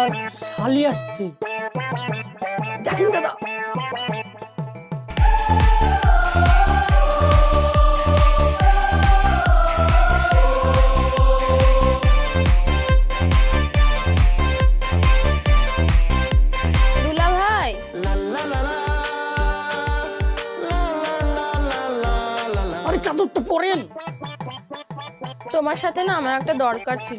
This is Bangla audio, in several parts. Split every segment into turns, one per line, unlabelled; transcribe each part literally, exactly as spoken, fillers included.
আমার শালি আসছে, দেখেন দাদা।
দুলা ভাই,
আরে চাদর তো পরেন।
তোমার সাথে না আমার একটা দরকার ছিল।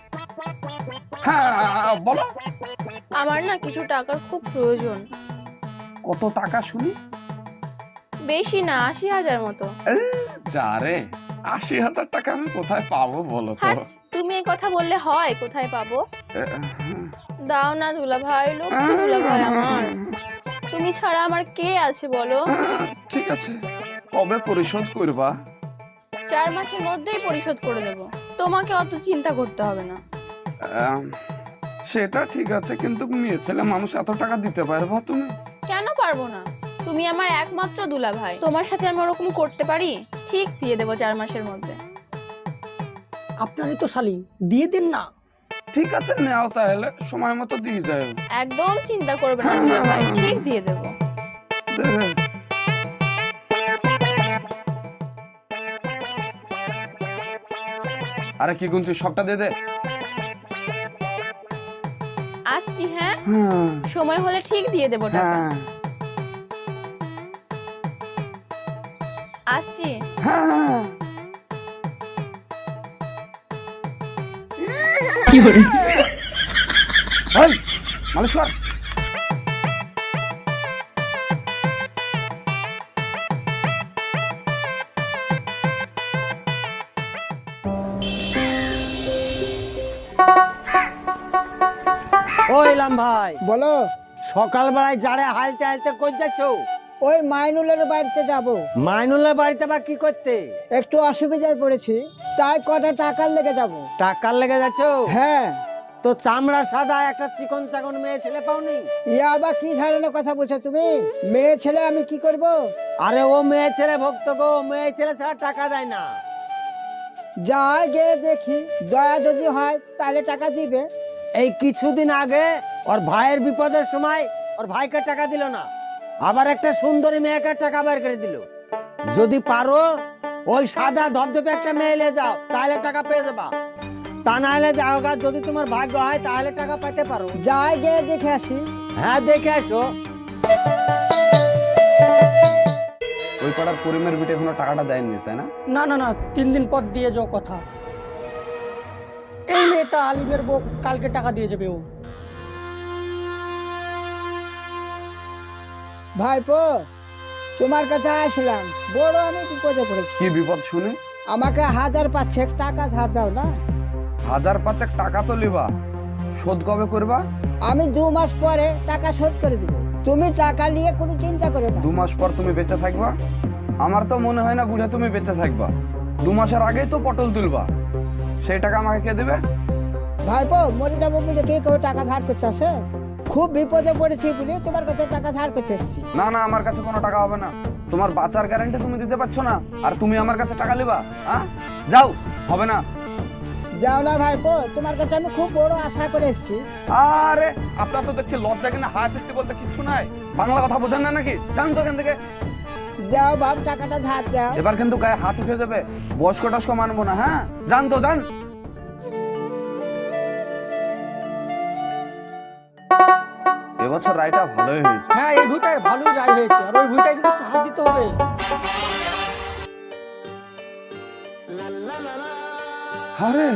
হ্যাঁ বলো।
আমার না কিছু টাকার খুব প্রয়োজন।
কত টাকা শুনি?
বেশি না, আশি হাজার মতো।
যা রে, আশি হাজার টাকা আমি কোথায় পাবো বলো তো?
হ্যাঁ, তুমি এই কথা বললে হয়? কোথায় পাবো? দাও না দুলা ভাই, লক্ষ্মী দুলা ভাই আমার। তুমি ছাড়া আমার কে আছে বলো?
ঠিক আছে, কবে পরিশোধ করবা?
চার মাসের মধ্যেই পরিশোধ করে দেব, তোমাকে অত চিন্তা করতে হবে না।
আম, সেটা ঠিক আছে, কিন্তু মেয়ে ছেলে মানুষ এত টাকা দিতে পারবা তুমি?
কেন পারবো না? তুমি আমার একমাত্র দুলা ভাই, তোমার সাথে আমি ওরকম করতে পারি? ঠিক দিয়ে দেবো চার মাসের মধ্যে।
আপনারই তো শালি, দিয়ে দিন না।
ঠিক আছে, নেও তাহলে, সময় মতো দিয়ে যাও।
একদম চিন্তা করবে না দুলা ভাই, ঠিক দিয়ে দেবো।
দেবে। আরে কি গুনছিস, সবটা দিয়ে দে।
আসছি, হ্যাঁ
হ্যাঁ
সময় হলে ঠিক দিয়ে দেবো টাকা।
হ্যাঁ
আসছি।
হ্যাঁ।
কি করে?
এই, মালিশ কর।
ও ইলাম ভাই,
বলো।
সকাল বেলায় যারে হালতে হালতে কই যাচ্ছ?
ওই মাইনুলের বাড়িতে যাব।
মাইনুলের বাড়িতে বা কি করতে?
একটু অসুবিধায় পড়েছি, তাই কটা টাকার লেগে যাব।
টাকার লেগে যাচ্ছ?
হ্যাঁ।
তো চামড়া সাদা একটা চিকন চাকন মেয়ে ছেলে পাওনি?
ইয়া আবার কি ধরনের কথা বলছো তুমি? মেয়ে ছেলে আমি কি করব?
আরে ও মেয়ে ছেলে ভক্ত গো, মেয়ে ছেলে ছাড়া টাকা দেয় না।
যাই গে দেখি, দয়া যদি হয় তাহলে টাকা দিবে।
এই কিছুদিন আগে ওর ভাইয়ের বিপদের সময় ওর ভাইকে টাকা দিল না, আবার একটা সুন্দরী মেয়েকে টাকা বের করে দিল। যদি পারো ওই সাদা ধবধবে একটা মেয়ে নিয়ে যাও, তাহলে টাকা পেয়ে যাবা। তা না হলে যাও গা, যদি তোমার ভাগ্য হয় তাহলে টাকা পেতে পারো।
যাই গে দেখে আসি।
হ্যাঁ দেখে আসো।
ওই পাড়ার করিমের বিটে এখনো টাকাটা দেয়নি, তাই না?
না না না, তিন দিন পর দিয়ে যাও কথা। এই মেয়েটা আলিমের বউ, কালকে টাকা দিয়ে যাবে ও।
ভাইপো, তোমার কাছে আসলাম, বড় আমি বিপদে পড়েছি।
কি বিপদ শুনে?
আমাকে হাজার পাঁচেক টাকা ধার দাও না।
হাজার পাঁচেক টাকা তো লিবা, শোধ কবে করবা?
আমি দু মাস পরে টাকা শোধ করে দেবো, তুমি টাকা নিয়ে কোনো চিন্তা করো না।
দু মাস পর তুমি বেঁচে থাকবা? আমার তো মনে হয় না বুড়া তুমি বেঁচে থাকবা। দু মাসের আগেই তো পটল তুলবা, সেই টাকা আমাকে কে দেবে?
ভাইপো, মরে যাবো বলে কে কেউ টাকা ধার করতে আসে? খুব বিপদে পড়েছি বলে তোমার কাছে টাকা ধার করতে এসেছি।
না না, আমার কাছে কোনো টাকা হবে না। তোমার বাঁচার গ্যারান্টি তুমি দিতে পারছো না, আর তুমি আমার কাছে টাকা লিবা? হ্যাঁ, যাও, হবে না।
যাও না ভাইপো, তোমার কাছে আমি খুব বড় আশা করে এসেছি।
আরে আপনার তো দেখছি লজ্জা কিনা হায় সত্যি বলতে কিচ্ছু নাই। বাংলা কথা বোঝেন না নাকি? জান তো এখান থেকে।
যাও বাপ, টাকাটা ধার দাও।
এবার কিন্তু গায়ে হাত উঠে যাবে, বয়স্ক টস্ক মানবো না। হ্যাঁ, জান তো জান। এবছর রায়টা ভালোই হয়েছে।
হ্যাঁ, এই ভুইটার ভালোই রায় হয়েছে, আর ওই ভুইটায় কিন্তু সাহায্য দিতে হবে।
আরে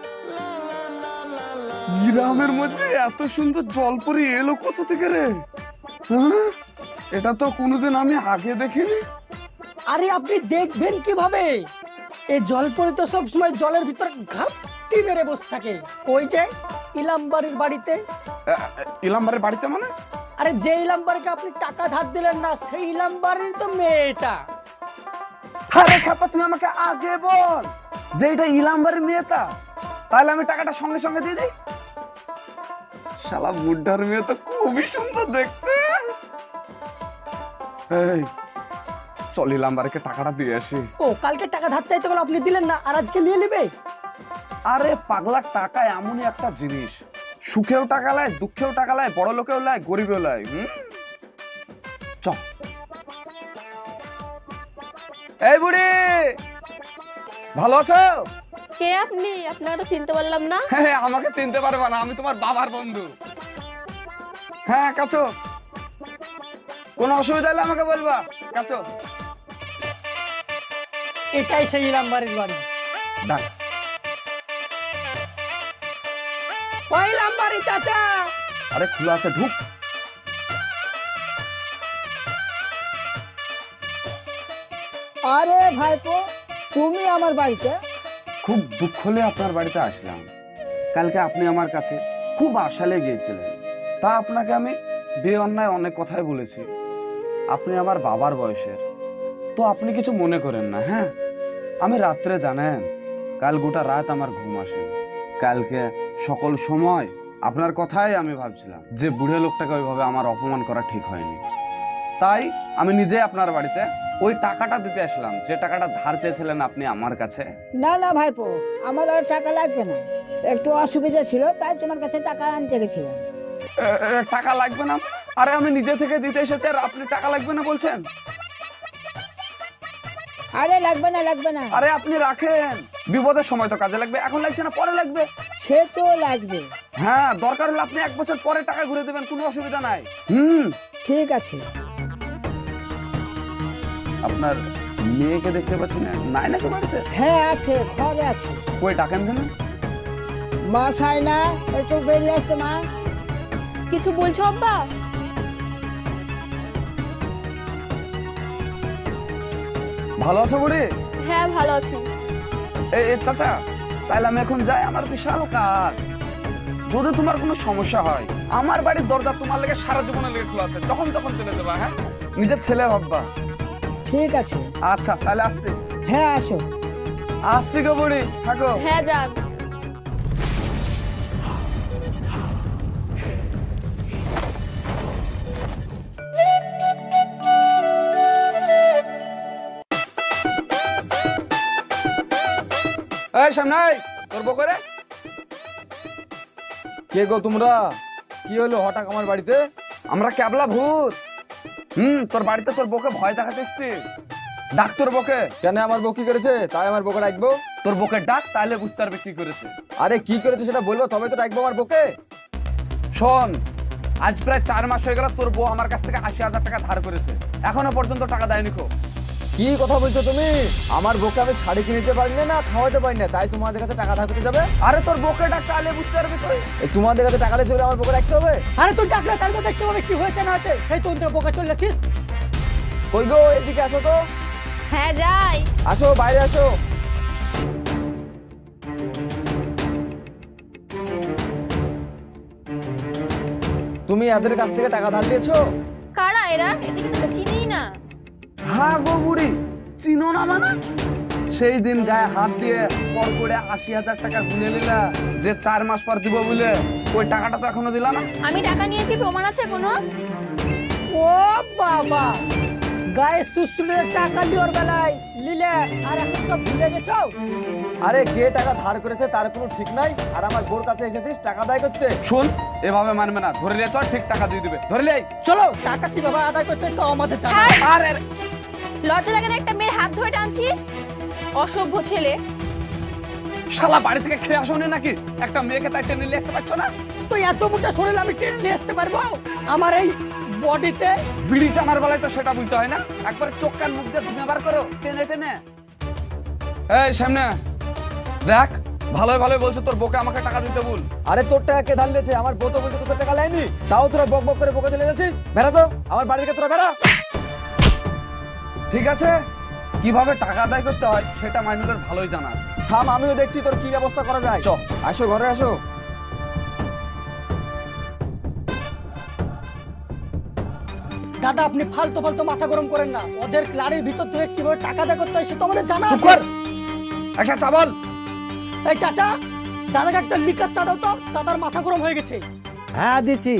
গ্রামের মধ্যে এত সুন্দর জলপরি এলো কোথা থেকে রে? হ্যাঁ? এটা তো কোনোদিন আমি আগে দেখিনি।
আরে আপনি দেখবেন কিভাবে? এই জলপরি তো সবসময় জলের ভিতর ঘাপটি মেরে বসে থাকে। ওই যে ইলামবাড়ির বাড়িতে।
ইলামবাড়ির বাড়িতে মানে?
আরে যে ইলামবাড়িকে আপনি টাকা ধার দিলেন না, সেই ইলামবাড়ির তো মেয়েটা।
আরে খাপা, তুমি আমাকে আগে বল যে এটা ইলামবাড়ির মেয়েটা, তাহলে আমি টাকাটা সঙ্গে সঙ্গে দিয়ে দিই। শালা বুড্ঢার মেয়ে তো খুবই সুন্দর দেখতে। এই চল ইলামবাড়িকে টাকাটা দিয়ে আসি।
ও, কালকে টাকা ধার চাইতে বলে আপনি দিলেন না, আর আজকে নিয়ে নেবে?
আরে পাগলা, টাকা এমনই একটা জিনিস, সুখেও টাকা লাই, দুঃখেও টাকা লাই, বড় লোকেও লাই, গরিবেও লাই। হুম, চ। এই বুড়ি, ভালো আছো?
কে আপনি? আপনাকে তো চিনতে পারলাম না।
হ্যাঁ, আমাকে চিনতে পারবে না, আমি তোমার বাবার বন্ধু। হ্যাঁ কাছো, কোনো অসুবিধা হলে আমাকে বলবা। কাছো,
এটাই সেই ইলাম বাড়ির বাড়ি।
ডাক।
ওই ইলাম বাড়ি চাচা।
আরে খোলা আছে, ঢুক।
আরে ভাইপো, তুমি আমার বাড়িতে?
খুব দুঃখ হলে আপনার বাড়িতে আসলাম। কালকে আপনি আমার কাছে খুব আশালে গিয়েছিলেন, তা আপনাকে আমি বেঅন্যায় অনেক কথাই বলেছি। আপনি আমার বাবার বয়সের, তো আপনি কিছু মনে করেন না। হ্যাঁ, আমি রাত্রে জানেন কাল গোটা রাত আমার ঘুম আসে। কালকে সকল সময় আপনার কথাই আমি ভাবছিলাম যে বুড়ে লোকটাকে ওইভাবে আমার অপমান করা ঠিক হয়নি। তাই আমি নিজে আপনার বাড়িতে ওই টাকাটা দিতে আসলাম, যে টাকাটা ধার চেয়েছিলেন আপনি আমার কাছে।
না না ভাইপো, আমার আর টাকা লাগবে না, একটু অসুবিধা ছিল তাই তোমার কাছে টাকা আনতে গেছিলাম।
এ, এ, টাকা লাগবে না? আরে আমি নিজে থেকে দিতে এসেছি আর আপনি টাকা লাগবে না বলছেন?
আরে লাগবে না লাগবে না,
আরে আপনি রাখেন, বিপদের সময় তো কাজে লাগবে, এখন লাগছে না পরে লাগবে।
সে তো লাগবে।
হ্যাঁ, দরকার হলে আপনি এক বছর পরে টাকা ঘুরে দেবেন, কোনো অসুবিধা নাই। হুম,
ঠিক আছে।
আপনার মেয়েকে দেখতে পাচ্ছি না, নাই নাকি বাড়িতে?
হ্যাঁ আছে, ঘরে আছে।
কই ডাকেন দেন?
মা চাই না, একটু বেরিয়ে আসতে মা।
কিছু বলছো আব্বা?
ভালো আছো বুড়ি?
হ্যাঁ ভালো আছি।
এই এই চাচা, তাহলে আমি এখন যাই, আমার বিশাল কাজ। যদি তোমার কোনো সমস্যা হয়, আমার বাড়ির দরজা তোমার লেগে সারা জীবনের লেগে খোলা আছে, যখন তখন চলে যাবা। হ্যাঁ, নিজের ছেলে ভাববা।
ঠিক আছে।
আচ্ছা তাহলে আসছি।
হ্যাঁ আসো।
আসছি গো বুড়ি, থাকো।
হ্যাঁ যান।
এই সামনে তোর বকরে
কে গো তোমরা? কি হলো হঠাৎ আমার বাড়িতে?
আমরা ক্যাবলা ভূত। হুম, তোর বাড়িতে তোর বউকে ভয় দেখাতে এসছি। ডাক তোর বউকে।
কেন আমার বউ কি করেছে তাই আমার বউকে ডাকবো?
তোর বউকে ডাক, তাহলে বুঝতে পারবে কি করেছে।
আরে কি করেছে সেটা বলবো তবে তো ডাকবো আমার বউকে।
শোন, আজ প্রায় চার মাস হয়ে গেল তোর বউ আমার কাছ থেকে আশি হাজার টাকা ধার করেছে, এখনো পর্যন্ত টাকা দেয়নি। খো
কি কথা বলছো তুমি? আমার বউকে আমি শাড়ি কিনে দিতে পারি না, খাওয়াতে পারি না, তাই তোমাদের কাছে টাকা ধার করতে যাবে?
আরে তোর বউকে ডাক, তাহলে বুঝতে পারবি তুই।
এই তোমাদের কাছে টাকা লেগে আমার বউকে রাখতে হবে?
আরে তুই ডাকলে তাহলে তো দেখতে হবে কি হয়েছে না হয়েছে। সেই তো তোর বোকা চলে যাচ্ছিস।
কই গো, এদিকে আসো তো।
হ্যাঁ যাই।
আসো, বাইরে আসো। তুমি এদের কাছ থেকে টাকা ধার নিয়েছো?
কারা এরা? এদিকে তো চিনি না।
হ্যাঁ গো বুড়ি, চিনো না মানে? সেই দিন গায়ে হাত দিয়ে পর করে আশি হাজার টাকা গুনে নিলা, যে চার মাস পর দিব বলে, ওই টাকাটা তো এখনো দিলা না।
আমি টাকা নিয়েছি, প্রমাণ আছে কোনো?
ও বাবা, গায়ে সুসুলের টাকা দেওয়ার বেলায় লিলে আর এখন সব ভুলে গেছো।
আরে কে টাকা ধার করেছে তার কোনো ঠিক নাই, আর আমার বোর কাছে এসেছিস টাকা দায় করতে।
শুন, এভাবে মানবে না, ধরে নিয়ে চল, ঠিক টাকা দিয়ে দিবে। ধরে লে
চলো, টাকা কিভাবে আদায় করতে তো আমাদের জানা।
ছাড়।
আরে
লজ্জা লাগে না একটা মেয়ের হাত ধরে টানছিস? অসভ্য ছেলে।
শালা বাড়ি থেকে খেয়ে আসোনি নাকি? একটা মেয়েকে তাই টেনে নিয়ে আসতে পারছো না?
তুই এত মোটা শরীর আমি টেনে নিয়ে আসতে পারবো? আমার এই বডিতে
বিড়ি টানার বেলায় তো সেটা বুঝতে হয় না, একবার চোখ কান মুখ দিয়ে ধুমে বার করো টেনে টেনে। এই সামনে দেখ, ভালোই ভালোই বলছো তোর বউকে আমাকে টাকা দিতে বল।
আরে তোর টাকা কে ধার নিয়েছে? আমার বউ তো বলছে তোর টাকা লাইনি, তাও তোরা বক বক করে বকে চলে যাচ্ছিস। বেড়া তো আমার বাড়ি থেকে, তোরা বেড়া।
ঠিক আছে, কিভাবে টাকা আদায় করতে হয় সেটা মাইনুলের ভালোই জানা আছে।
থাম, আমিও দেখছি তোর কি ব্যবস্থা করা যায়।
চ।
আসো ঘরে আসো।
দাদা আপনি ফালতু ফালতু মাথা গরম করেন না। ওদের ক্লারের ভিতর থেকে কিভাবে টাকা আদায় করতে হয় সে তো আমাদের জানা
চুপ
আছে।
কর, একটা চা বল।
এই চাচা, দাদাকে একটা লিকার চা দাও তো, দাদার মাথা গরম হয়ে গেছে।
হ্যাঁ দিচ্ছি।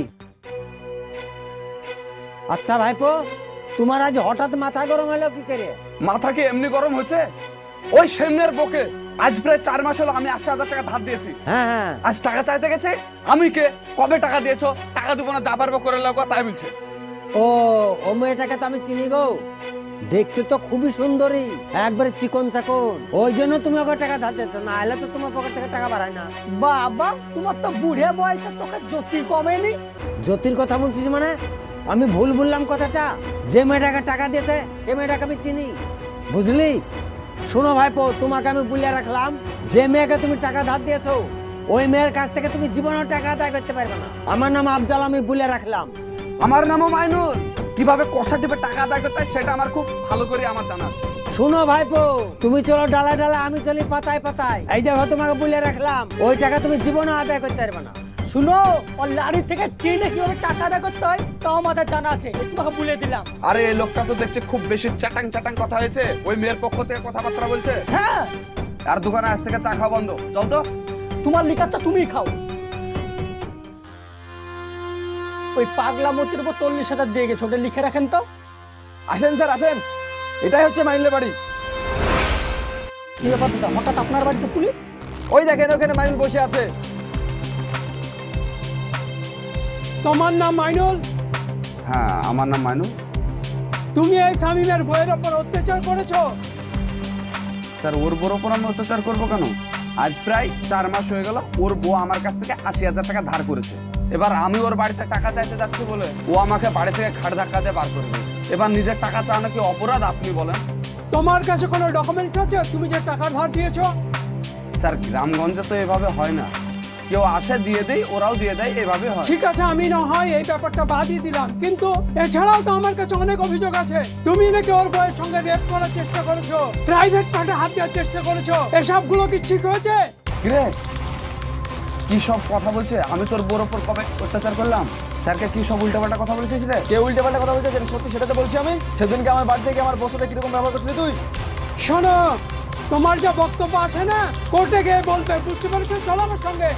আচ্ছা ভাইপো, তোমার আজ হঠাৎ মাথা গরম হলো কি করে?
মাথা কি এমনি গরম হয়েছে? ওই সামনের বকে আজ প্রায় চার মাস হলো আমি আশি হাজার টাকা ধার দিয়েছি।
হ্যাঁ হ্যাঁ
আজ টাকা চাইতে গেছে, আমি কে, কবে টাকা দিয়েছো, টাকা দিব না, যা পারবো করে লাগো, তাই বলছে।
ও ও মেয়েটাকে তো আমি চিনি গো, দেখতে তো খুবই সুন্দরী, একবারে চিকন চাকন, ওই জন্য তুমি ওকে টাকা ধার দিচ্ছ, না হলে তো তোমার পকেট থেকে টাকা বাড়ায় না।
বাবা তোমার তো বুড়ে বয়সে চোখের জ্যোতি কমেনি।
জ্যোতির কথা বলছিস মানে? আমি ভুল বললাম কথাটা, যে মেয়েটাকে টাকা দিয়েছে সে মেয়েটাকে আমি চিনি, বুঝলি? শোনো ভাইপো, তোমাকে আমি বলে রাখলাম, যে মেয়েকে তুমি টাকা ধার দিয়েছো ওই মেয়ের কাছ থেকে তুমি জীবনেও টাকা আদায় করতে পারবে না। আমার নাম আফজাল, আমি বলে রাখলাম।
আমার নামও মাইনুল। কিভাবে কষা টিপে টাকা আদায় করতে হয় সেটা আমার খুব ভালো করে আমার জানা আছে।
শোনো ভাইপো, তুমি চলো ডালা ডালা, আমি চলি পাতায় পাতায়। এই দেখো তোমাকে বলে রাখলাম, ওই টাকা তুমি জীবনে আদায় করতে পারবে না।
শুনো, ওর লাড়ি থেকে টেনে কিভাবে টাকা আদায় করতে হয় তাও আমাদের জানা আছে, তোমাকে বলে দিলাম।
আরে এই লোকটা তো দেখছে খুব বেশি চাটাং চাটাং কথা হয়েছে, ওই মেয়ের পক্ষ থেকে কথাবার্তা বলছে।
হ্যাঁ,
আর দোকানে আজ থেকে চা খাওয়া বন্ধ, চল তো।
তোমার লিখাচ্ছা তুমি খাও। ওই পাগলা মতির উপর চল্লিশ হাজার দিয়ে গেছো, ওটা লিখে রাখেন তো।
আসেন স্যার আসেন, এটাই হচ্ছে মাইনুলের বাড়ি।
কি ব্যাপার দাদা, হঠাৎ আপনার বাড়িতে পুলিশ?
ওই দেখেন ওখানে মাইনুল বসে আছে।
তোমার নাম মাইনুল?
হ্যাঁ, আমার নাম মাইনুল।
তুমি এই শামীমের বইয়ের ওপর অত্যাচার করেছো?
স্যার, ওর বউর ওপর আমি অত্যাচার করবো কেন? আজ প্রায় চার মাস হয়ে গেল ওর বউ আমার কাছ থেকে আশি হাজার টাকা ধার করেছে। এবার আমি ওর বাড়িতে টাকা চাইতে যাচ্ছি বলে ও আমাকে বাড়ি থেকে ঘাট ধাক্কা দিয়ে বার করে দিয়েছে। এবার নিজের টাকা চাওয়া কি অপরাধ, আপনি বলেন?
তোমার কাছে কোনো ডকুমেন্টস আছে তুমি যে টাকা ধার দিয়েছো?
স্যার, গ্রামগঞ্জে তো এভাবে হয় না, কেউ আসে দিয়ে দেয়, ওরাও দিয়ে দেয়, এভাবে হয়।
ঠিক আছে, আমি না হয় এই ব্যাপারটা বাদই দিলাম, কিন্তু এছাড়াও তো আমার কাছে অনেক অভিযোগ আছে। তুমি নাকি ওর বউয়ের সঙ্গে রেপ করার চেষ্টা করেছো, প্রাইভেট পার্টে হাত দেওয়ার চেষ্টা করেছো, এসবগুলো কি ঠিক হয়েছে?
কিরে, কি সব কথা বলছে? আমি তোর বউর ওপর কবে অত্যাচার করলাম? স্যারকে কি সব উল্টাপাল্টা কথা বলেছিস রে?
কে উল্টে পাল্টা কথা বলছে যেটা সত্যি সেটা তো বলছি আমি। সেদিনকে আমার বাড়ি থেকে আমার বউর সাথে কিরকম ব্যবহার করছিলি তুই?
শোনো, তোমার যা বক্তব্য আছে না কোর্টে গিয়ে বলতে, বুঝতে পেরেছো? চলো আমার সঙ্গে।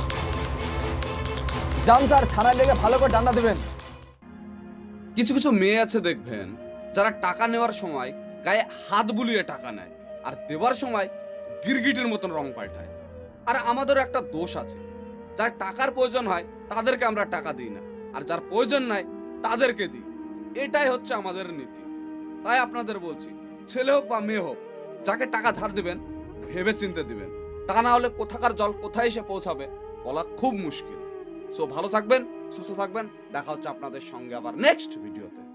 যান স্যার, থানায় লেগে ভালো করে ডান্ডা দেবেন।
কিছু কিছু মেয়ে আছে দেখবেন, যারা টাকা নেওয়ার সময় গায়ে হাত বুলিয়ে টাকা নেয়, আর দেওয়ার সময় গিরগিটির মতন রং পাল্টায়। আর আমাদেরও একটা দোষ আছে, যার টাকার প্রয়োজন হয় তাদেরকে আমরা টাকা দিই না, আর যার প্রয়োজন নাই তাদেরকে দিই। এটাই হচ্ছে আমাদের নীতি। তাই আপনাদের বলছি, ছেলে হোক বা মেয়ে হোক, যাকে টাকা ধার দিবেন ভেবে চিন্তে দিবেন, তা না হলে কোথাকার জল কোথায় এসে পৌঁছাবে বলা খুব মুশকিল। সো ভালো থাকবেন, সুস্থ থাকবেন, দেখা হচ্ছে আপনাদের সঙ্গে আবার নেক্সট ভিডিওতে।